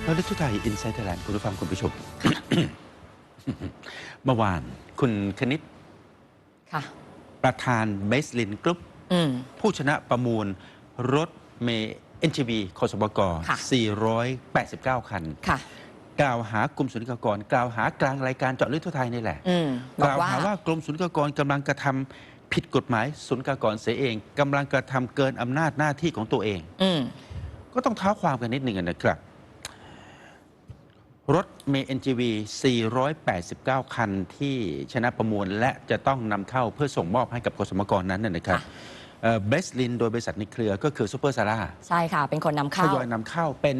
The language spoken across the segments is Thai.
เราได้ทุกไทยอินไซต์ไทยแลนด์คุณผู้ฟังคุณผู้ชม เมื่อวานคุณคณิตประธานเบสลินกรุ๊ปผู้ชนะประมูลรถเมล์ NGV คสบก489 คันกล่าวหากรมศุลกากรกล่าวหากลางรายการเจาะลึกทั่วไทยนี่แหละกล่าวหาว่ากรมศุลกากรกำลังกระทำผิดกฎหมายศุลกากรเสียเองกำลังกระทำเกินอำนาจหน้าที่ของตัวเองก็ต้องเท้าความกันนิดหนึ่งนะครับรถเมล์ NGV 489 คันที่ชนะประมูลและจะต้องนำเข้าเพื่อส่งมอบให้กับกสมกนั้นนะครับเบสลินโดยบริษัทในเครือก็คือซูเปอร์ซาร่าใช่ค่ะเป็นคนนำเข้าทยอยนำเข้าเป็น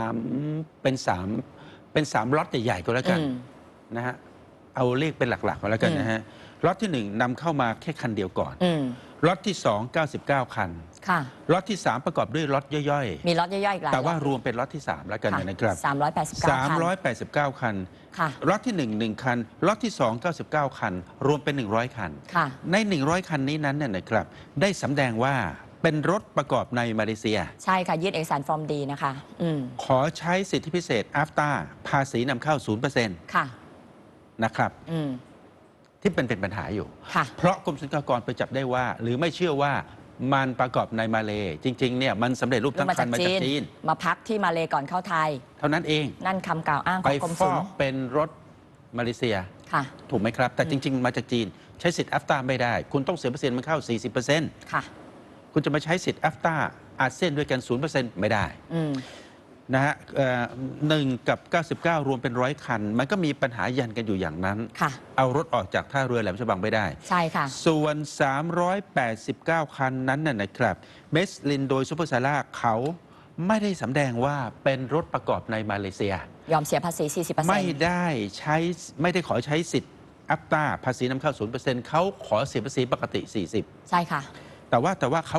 3ล็อตใหญ่ๆก็แล้วกันนะฮะเอาเลขเป็นหลักๆก็แล้วกันนะฮะล็อตที่1นำเข้ามาแค่คันเดียวก่อนล็อตที่2 99 คันล็อตที่3ประกอบด้วยล็อตย่อยๆมีล็อตย่อยๆอีกหลายแต่ว่ารวมเป็นล็อตที่3แล้วกันนะครับ389 คันล็อตที่1 คันล็อตที่2 99 คันรวมเป็น100 คันใน100 คันนี้นั้นเนี่ยนะครับได้สำแดงว่าเป็นรถประกอบในมาเลเซียใช่ค่ะยื่นเอกสารฟอร์มดีนะคะขอใช้สิทธิพิเศษ AFTA ภาษีนำเข้า 0% ค่ะนะครับที่เป็นปัญหาอยู่เพราะกรมศุลกากรไปจับได้ว่าหรือไม่เชื่อว่ามันประกอบในมาเลจริงๆเนี่ยมันสำเร็จรูปทั้งคันมาจากจีนมาพักที่มาเลก่อนเข้าไทยเท่านั้นเองนั่นคำกล่าวอ้างของกรมศุลเป็นรถมาเลเซียถูกไหมครับแต่จริงๆมาจากจีนใช้สิทธิ์ AFTA ไม่ได้คุณต้องเสียเปอร์เซ็นต์มันเข้า 40%คุณจะมาใช้สิทธิ์ AFTA อาเซียนด้วยกัน 0% ไม่ได้นะฮะ1 กับ 99 รวมเป็น100 คันมันก็มีปัญหายันกันอยู่อย่างนั้นเอารถออกจากท่าเรือแหลมฉบังไม่ได้ใช่ค่ะส่วน389 คันนั้นน่ะนะครับเบสลินโดยซูเปอร์ซาร่าเขาไม่ได้สำแดงว่าเป็นรถประกอบในมาเลเซียยอมเสียภาษี 40% ไม่ได้ขอใช้สิทธิ์อัปตาภาษีนำเข้า 0% เขาขอเสียภาษีปกติ 40% ใช่ค่ะแต่ว่าเขา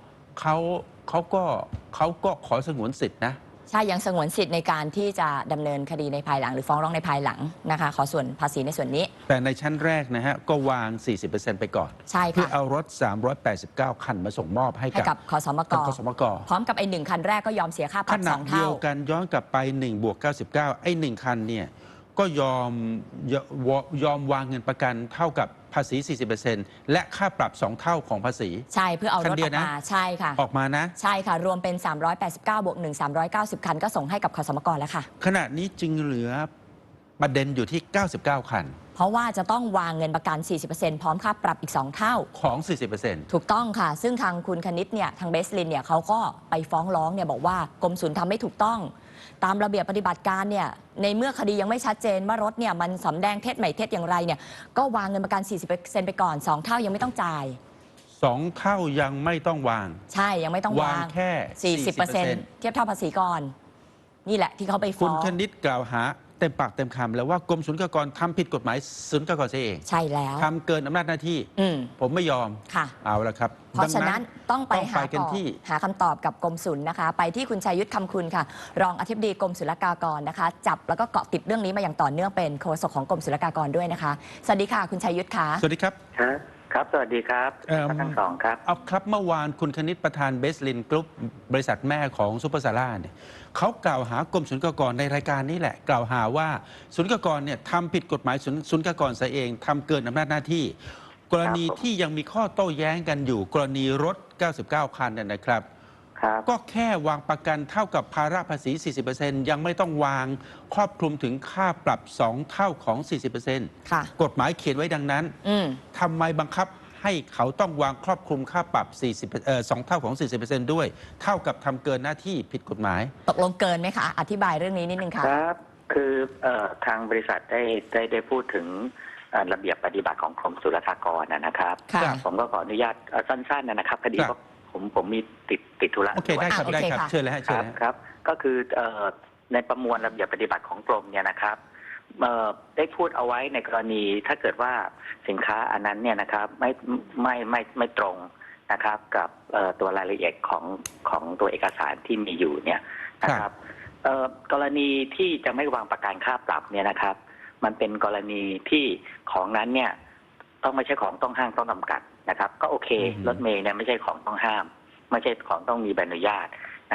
ก็ขอสงวนสิทธินะใช่ยังสงวนสิทธิ์ในการที่จะดำเนินคดีในภายหลังหรือฟ้องร้องในภายหลังนะคะขอส่วนภาษีในส่วนนี้แต่ในชั้นแรกนะฮะก็วาง 40% ไปก่อนใช่ค่ะเพื่อเอารถ389 คันมาส่งมอบให้กับคสมกพร้อมกับไอ้1คันแรกก็ยอมเสียค่าปรับ2 เท่าขณะเดียวกันย้อนกลับไป1+99ไอ้1คันเนี่ยก็ยอมวางเงินประกันเท่ากับภาษี 40% และค่าปรับ2 เท่าของภาษีใช่เพื่อเอารถออกมาใช่ค่ะออกมานะใช่ค่ะรวมเป็น389บวก1 390 คันก็ส่งให้กับขสมกแล้วค่ะขณะนี้จึงเหลือประเด็นอยู่ที่99 คันเพราะว่าจะต้องวางเงินประกัน 40% พร้อมค่าปรับอีก2 เท่าของ 40% ถูกต้องค่ะซึ่งทางคุณคณิตเนี่ยทางเบสลินเนี่ยเขาก็ไปฟ้องร้องเนี่ยบอกว่ากรมศุลทำไม่ถูกต้องตามระเบียบปฏิบัติการเนี่ยในเมื่อคดียังไม่ชัดเจนว่ารถเนี่ยมันสำแดงเท็จไม่เท็จอย่างไรเนี่ยก็วางเงินประกัน 40% ไปก่อน2 เท่ายังไม่ต้องจ่าย 2 เท่ายังไม่ต้องวางใช่ยังไม่ต้องวางแค่ 40% เทียบเท่าภาษีก่อนนี่แหละที่เขาไปฟ้องคุณคณิตกล่าวหาเต็มปากเต็มคำแล้วว่ากรมศุลกากรทำผิดกฎหมายศุลกากรเสียเองใช่แล้วทำเกินอำนาจหน้าที่ผมไม่ยอมเอาละครับเพราะฉะนั้นต้องไปหาคำตอบกับกรมศุลนะคะไปที่คุณชัยยุทธคำคุณค่ะรองอธิบดีกรมศุลกากรนะคะจับแล้วก็เกาะติดเรื่องนี้มาอย่างต่อเนื่องเป็นโฆษกของกรมศุลกากรด้วยนะคะสวัสดีค่ะคุณชัยยุทธค่ะสวัสดีครับครับสวัสดีครับทั้งสองครับเอาครับเมื่อวานคุณคณิตประธานเบสลินกรุ๊ปบริษัทแม่ของซูเปอร์ซาร่าเนี่ยเขากล่าวหากรมศุลกากรในรายการนี้แหละกล่าวหาว่าศุลกากรเนี่ยทำผิดกฎหมายศุลกากรเสียเองทำเกินอำนาจหน้าที่กรณีที่ยังมีข้อโต้แย้งกันอยู่กรณีรถ99 คันเนี่ยนะครับก็แค่วางประกันเท่ากับภาระภาษี 40% ยังไม่ต้องวางครอบคลุมถึงค่าปรับ2 เท่าของ 40% กฎหมายเขียนไว้ดังนั้นทำไมบังคับให้เขาต้องวางครอบคลุมค่าปรับ2 เท่าของ 40% ด้วยเท่ากับทำเกินหน้าที่ผิดกฎหมายตกลงเกินไหมคะอธิบายเรื่องนี้นิดนึงค่ะครับคือทางบริษัทได้พูดถึงระเบียบปฏิบัติของกรมศุลกากรนะครับผมก็ขออนุญาตสั้นๆนะครับคดีผมมีติดธุระโอเคได้ครับได้ครับเชิญเลยครับก็คือในประมวลระเบียบปฏิบัติของกรมเนี่ยนะครับได้พูดเอาไว้ในกรณีถ้าเกิดว่าสินค้าอันนั้นเนี่ยนะครับไม่ตรงนะครับกับตัวรายละเอียดของตัวเอกสารที่มีอยู่เนี่ยนะครับกรณีที่จะไม่วางประกันค่าปรับเนี่ยนะครับมันเป็นกรณีที่ของนั้นเนี่ยต้องไม่ใช่ของต้องห้ามต้องจำกัดนะครับก็โอเครถเมล์เนี่ยไม่ใช่ของต้องห้ามไม่ใช่ของต้องมีใบอนุญาตนะครับ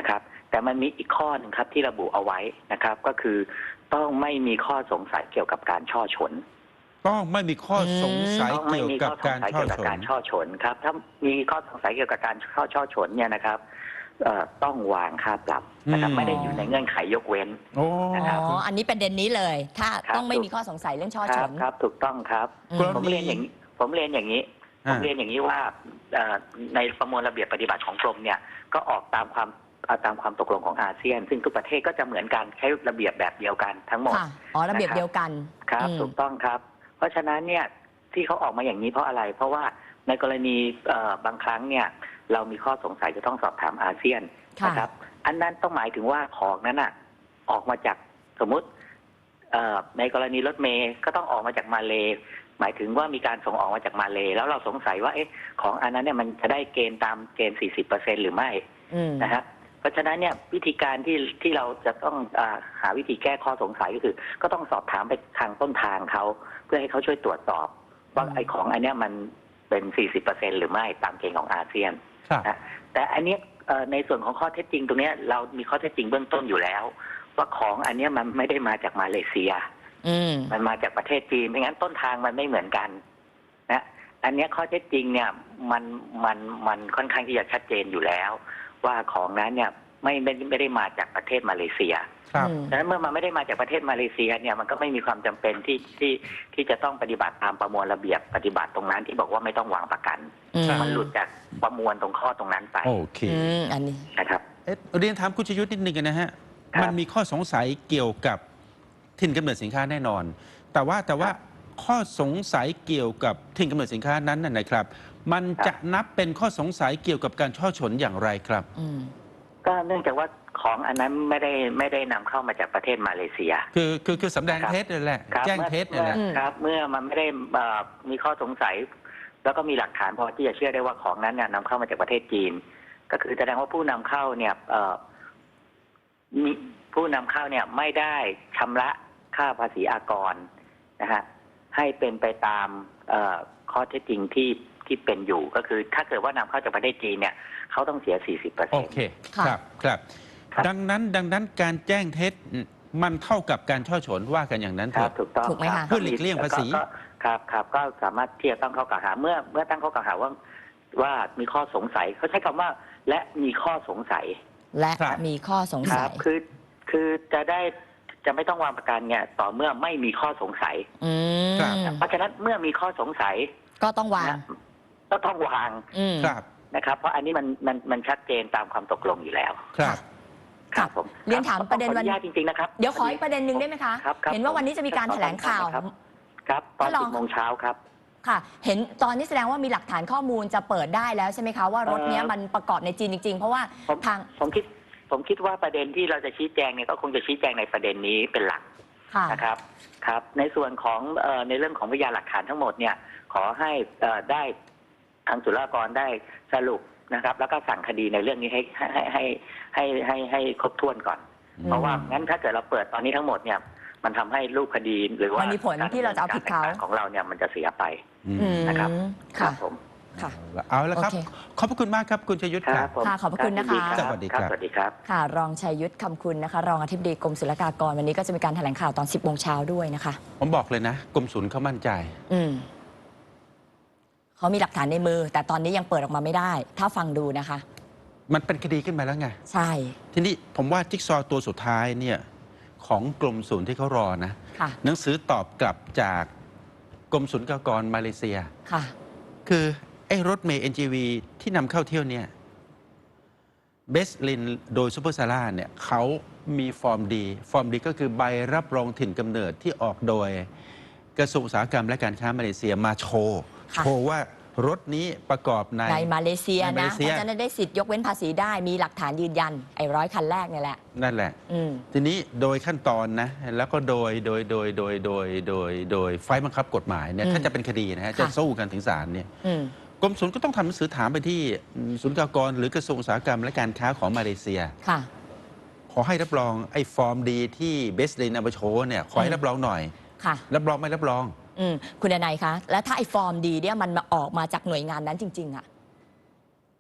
แต่มันมีอีกข้อหนึ่งครับที่ระบุเอาไว้นะครับ ก็คือต้องไม่มีข้อสงสัยเกี่ยวกับการช่อฉนต้องไม่มีข้อสงสัยต้องไม่เกี่ยวมีกัข้บอสงการสัยช่อเกี่ยวกับฉกาน รช่อฉนครับถ้ามีข้อสงสัยเกี่ยวกับการช่อฉนเนี่ยนะครับต้องวางค่าปรับนะครับไม่ได้อยู่ในเงื่อนไขยกเว้นโอ้อ๋อ อันนี้ประเด็นนี้เลย ถ้าครับต้องไม่มีข้อสงสัยเรื่องช่อคฉรับนครับถูกต้องครับอืมผมเรียนอย่างนี้ผมเรียนอย่างนี้ว่าในประมวลระเบียบปฏิบัติของกรมเนี่ยก็ออกตามความตกลงของอาเซียน ซึ่งทุกประเทศก็จะเหมือนกันใช้ระเบียบแบบเดียวกันทั้งหมดค่ะ อ๋อ ระเบียบเดียวกันครับอืมถูกต้องครับ เพราะฉะนั้นเนี่ยที่เขาออกมาอย่างนี้เพราะอะไร เพราะว่าในกรณีบางครั้งเนี่ยเรามีข้อสงสัยจะต้องสอบถามอาเซียนค่ะนะครับอันนั้นต้องหมายถึงว่าของนั้นอ่ะออกมาจากสมมุติในกรณีรถเมย์ก็ต้องออกมาจากมาเลหมายถึงว่ามีการส่งออกมาจากมาเลแล้วเราสงสัยว่าเอ๊ะของอันนั้นเนี่ยมันจะได้เกณฑ์ตามเกณฑ์ 40% หรือไม่อืมนะฮะเพราะฉะนั้นเนี่ยวิธีการที่เราจะต้องหาวิธีแก้ข้อสงสัยก็คือ ก็ต้องสอบถามไปทางต้นทางเขาเพื่อให้เขาช่วยตรวจสอบว่าไอ้ของอันเนี้ยมันเป็น 40% หรือไม่ตามเกณฑ์ของอาเซียนครับนะแต่อันเนี้ยในส่วนของข้อเท็จจริงตรงเนี้ยเรามีข้อเท็จจริงเบื้องต้นอยู่แล้ว ว่าของอันเนี้ยมันไม่ได้มาจากมาเลเซียอืมมันมาจากประเทศจีนไม่งั้นต้นทางมันไม่เหมือนกันนะอันเนี้ยข้อเท็จจริงเนี่ยมันค่อนข้างที่จะชัดเจนอยู่แล้ว ว่าของนั้นเนี่ยไม่ได้มาจากประเทศมาเลเซียครับดังนั้นเมื่อมันไม่ได้มาจากประเทศมาเลเซียเนี่ยมันก็ไม่มีความจำเป็นที่จะต้องปฏิบัติตามประมวลระเบียบปฏิบัติตรงนั้นที่บอกว่าไม่ต้องวางประกันอืมมันหลุดจากประมวลตรงข้อตรงนั้นไปโอเคอันนี้นะครับเรียนถามคุณชยุทธนิดนึงนะฮะครับมันมีข้อสงสัยเกี่ยวกับถิ่นกำเนิดสินค้าแน่นอน แต่ว่าข้อสงสัยเกี่ยวกับถิ่นกำเนิดสินค้านั้นน่ะนะครับ มันจะนับเป็นข้อสงสัยเกี่ยวกับการช่อฉนอย่างไรครับอืมก็เนื่องจากว่าของอันนั้นไม่ได้นำเข้ามาจากประเทศมาเลเซียคือสำแดงเท็จนั่นแหละครับแจ้งเท็จนั่นแหละครับเมื่อมันไม่ได้มีข้อสงสัย แล้วก็มีหลักฐานพอที่จะเชื่อได้ว่าของนั้นเนี่ยนำเข้ามาจากประเทศจีน ก็คือแสดงว่าผู้นำเข้าเนี่ยมีผู้นำเข้าเนี่ยไม่ได้ชำระค่าภาษีอากรนะฮะให้เป็นไปตามข้อเท็จจริงที่เป็นอยู่ก็คือถ้าเกิดว่านำเข้าจากประเทศจีนเนี่ยเขาต้องเสีย 40% โอเคค่ะครับครับดังนั้นการแจ้งเท็จมันเท่ากับการช่อฉนว่ากันอย่างนั้นคเถรับอะถูกต้องถูกไหมครัคะบเพื่อหลีกเลี่ยงภาษีครับก็สามารถที่จะตั้งข้อกล่าวหาเมื่อตั้งข้อกล่าวหาว่ามีข้อสงสัยเขาใช้คำว่าและมีข้อสงสัยและครับมีข้อสงคสัรัยบคือจะไม่ต้องวางประกันเนี่ยต่อเมื่อไม่มีข้อสงสัยอืมครับเพราะฉะนั้นเมื่อมีข้อสงสัยก็ต้องวางนะก็ต้องวางอืมครับนะครับ เพราะอันนี้มันชัดเจนตามความตกลงอยู่แล้วครับครับผมเรียนถามประเด็นวันขออญาตจริงๆนะครับเดี๋ยวขออีกประเด็นหนึ่งได้ไหมคะครับเห็นว่าวันนี้จะมีการแถลงข่าวครับตอนท่านรอง 10 โมงเช้าครับค่ะ เห็นตอนนี้แสดงว่ามีหลักฐานข้อมูลจะเปิดได้แล้วใช่ไหมคะว่ารถเนี้ยมันประกอบในจีนจริงๆ เพราะว่าผมทางผมคิดว่าประเด็นที่เราจะชี้แจงเนี่ยก็คงจะชี้แจงในประเด็นนี้เป็นหลักค่ะนะครับครับในส่วนของในเรื่องของพยานหลักฐานทั้งหมดเนี่ยขอให้ได้ทางศุลกากรได้สรุปนะครับ แล้วก็สั่งคดีในเรื่องนี้ให้ครบถ้วนก่อน เพราะว่างั้นถ้าเกิดเราเปิดตอนนี้ทั้งหมดเนี่ยมันทำให้รูปคดีหรือว่ามันมีผลที่เราจะเอาผิดเขากรดำนินการของเราเนี่ยมันจะเสียไปอืมนะครับค่ะผมค่ะเอาละครับโอเคขอบพระคุณมากครับคุณชยุทธคครัรับบ ผมค่ะขอบพระคุณนะคะรับสวัสดีครับสวัสดีครับค่ะ รองชัยยุทธคำคุณนะคะ รองอธิบดีกรมศุลกากรวันนี้ก็จะมีการแถลงข่าวตอน 10 โมงเช้าด้วยนะคะผมบอกเลยนะกรมศุลเขามั่นใจอืมเขามีหลักฐานในมือ แต่ตอนนี้ยังเปิดออกมาไม่ได้ ถ้าฟังดูนะคะมันเป็นคดีขึ้นมาแล้วไงใช่ทีนี้ผมว่าจิ๊กซอว์ตัวสุดท้ายเนี่ยของกรมศุลที่เขารอนะค่ะหนังสือตอบกลับจากกรมศุลกากรมาเลเซียค่ะคือไอ้รถเมย์ NGV ที่นำเข้าเที่ยวเนี่ยเบสลินโดยซูเปอร์ซาร่าเนี่ยเขามีฟอร์มดีก็คือใบรับรองถิ่นกำเนิดที่ออกโดยกระทรวงอุตสาหกรรมและการค้ามาเลเซียมาโชว์ค่ะโชว์ว่ารถนี้ประกอบในในมาเลเซียในมาเลนะเซียเพราะฉะนั้นได้สิทธิ์ยกเว้นภาษีได้มีหลักฐานยืนยันไอ้100 คันแรกเนี่ยแหละนั่นแหละอืมทีนี้โดยขั้นตอนนะแล้วก็โดยไฟล์บังคับกฎหมายเนี่ยอืมถ้าจะเป็นคดีนะฮะจะค่ะสู้กันถึงศาลเนี่ยอืมกรมศุลก็ต้องทำหนังสือถามไปที่ศุลกากรหรือกระทรวงอุตสาหกรรมและการค้าของมาเลเซียค่ะขอให้รับรองไอ้ฟอร์มดีที่เบสลินเอามาโชว์เนี่ยขอให้รับรองหน่อยค่ะรับรองไม่รับรองอืม คุณดนัยคะ แล้วถ้าไอ้ฟอร์มดีเนี่ยมันมาออกมาจากหน่วยงานนั้นจริง ๆอะ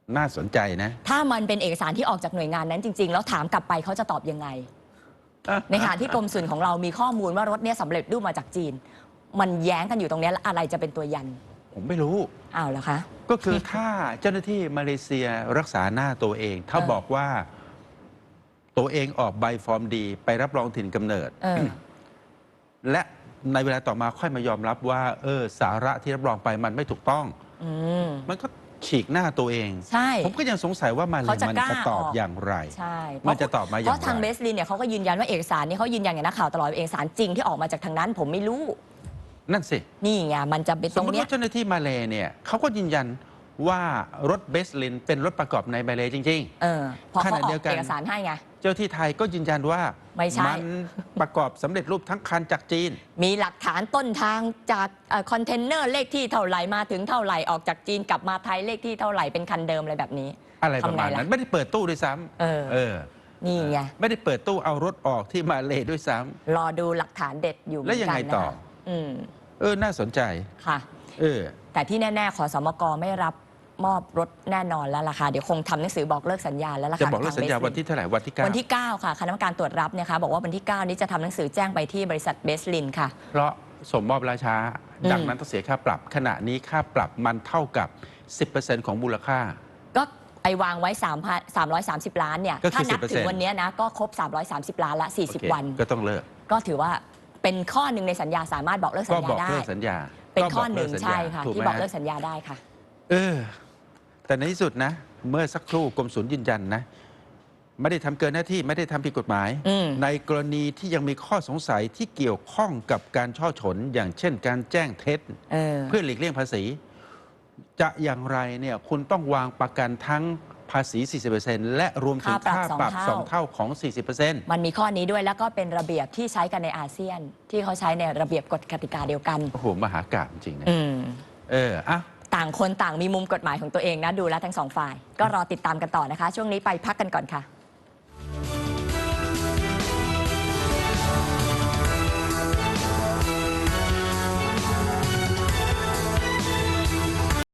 น่าสนใจนะถ้ามันเป็นเอกสารที่ออกจากหน่วยงานนั้นจริงๆแล้วถามกลับไปเขาจะตอบยังไง ในขณะที่กรมศุลของเรามีข้อมูลว่ารถเนี้ยสำเร็จรูปมาจากจีน มันแย้งกันอยู่ตรงเนี้ยแล้วอะไรจะเป็นตัวยันผมไม่รู้อ้าวเหรอคะก็คือถ้าเจ้าหน้าที่มาเลเซียรักษาหน้าตัวเอง ถ้าบอกว่าตัวเองออกใบฟอร์มดีไปรับรองถิ่นกำเนิด และในเวลาต่อมาค่อยมายอมรับว่าสาระที่รับรองไปมันไม่ถูกต้อง มันก็ฉีกหน้าตัวเองใช่ผมก็ยังสงสัยว่ามันเขาจะมันกล้าจะตอบออกอย่างไรใช่มันจะตอบมาอย่างเพไรราะทางเบสลินเนี่ยเขาก็ยืนยันว่าเอกสารนี้เขายืนยันกับนักข่าวตลอดว่าเอกสารจริงที่ออกมาจากทางนั้น ผมไม่รู้นั่นสินี่ไงมันจะเป็นสตมรมงติเนี้ยว่าเจ้าหน้าที่มาเลเนี่ยเขาก็ยืนยันว่ารถเบสลินเป็นรถประกอบในมาเลจริงพอเขาขณะออเดียวกกันเอกสารให้ไงๆ เจ้าที่ไทยก็ยืนยันว่าไม่ใช่นประกอบสำเร็จรูปทั้งคันจากจีนมีหลักฐานต้นทางจากคอนเทนเนอร์เลขที่เท่าไหร่มาถึงเท่าไหร่ออกจากจีนกลับมาไทยเลขที่เท่าไหร่เป็นคันเดิมอะไรแบบนี้อะไรประมาณทำไงนั้ล่ะนไม่ได้เปิดตู้ด้วยซ้ำเออนี่ไงไม่ได้เปิดตู้เอารถออกที่มาเลด้วยซ้ำรอดูหลักฐานเด็ดอยู่เหมือนแล้กันวยังไงต่อนะคะอืมน่าสนใจค่ะเออแต่ที่แน่ๆขอสมกไม่รับมอบรถแน่นอนแล้วล่ะค่ะเดี๋ยวคงทำหนังสือบอกเลิกสัญญาแล้วล่ะค่ะจะบอกเลิกสัญญาทงวันที่เท่าไหร่วันที่9 วันที่ 9 ค่ะคณะกรรมการตรวจรับเนี่ยค่ะบอกว่าวันที่ 9 นี้จะทำหนังสือแจ้งไปที่บริษัทเบสลินค่ะเพราะสมมอบราช้าอืมดังนั้นต้องเสียค่าปรับ ขณะนี้ค่าปรับมันเท่ากับ 10% ของมูลค่าก็ไอวางไว้330 ล้านเนี่ยก็คือถ้านับถึง 10% วันเนี้ยนะก็ครบ 330 ล้านละโอเค 40 วันก็ต้องเลิกก็ถือว่าเป็นข้อหนึ่งในสัญญาสามารถบอกเลิกสัก็ญญาบอกได้เลิกสัญญาเป็นก็ข้บอก หนึ่งเลิสัญญาใช่ค่ะถูกที่ไหมบอกฮะเลิกสัญญาได้ค่ะแต่ในที่สุดนะ เมื่อสักครู่กรมศุลยืนยันนะ ไม่ได้ทำเกินหน้าที่ไม่ได้ทำผิดกฎหมายอืมในกรณีที่ยังมีข้อสงสัยที่เกี่ยวข้องกับการช่อฉน อย่างเช่น การแจ้งเท็จ เพื่อหลีกเลี่ยงภาษี จะอย่างไรเนี่ยคุณต้องวางประกันทั้งภาษี 40% และรวมถึงค่าปรับ 2 เท่าของ 40% มันมีข้อนี้ด้วยแล้วก็เป็นระเบียบที่ใช้กันในอาเซียน ที่เขาใช้ในระเบียบกฎกติกาเดียวกันโอ้โห มหากาพย์จริงๆนะอืมอ่ะต่างคนต่างมีมุมกฎหมายของตัวเองนะดูแล้วทั้งสองฝ่าย ก็รอติดตามกันต่อนะคะ ช่วงนี้ไปพักกันก่อนค่ะ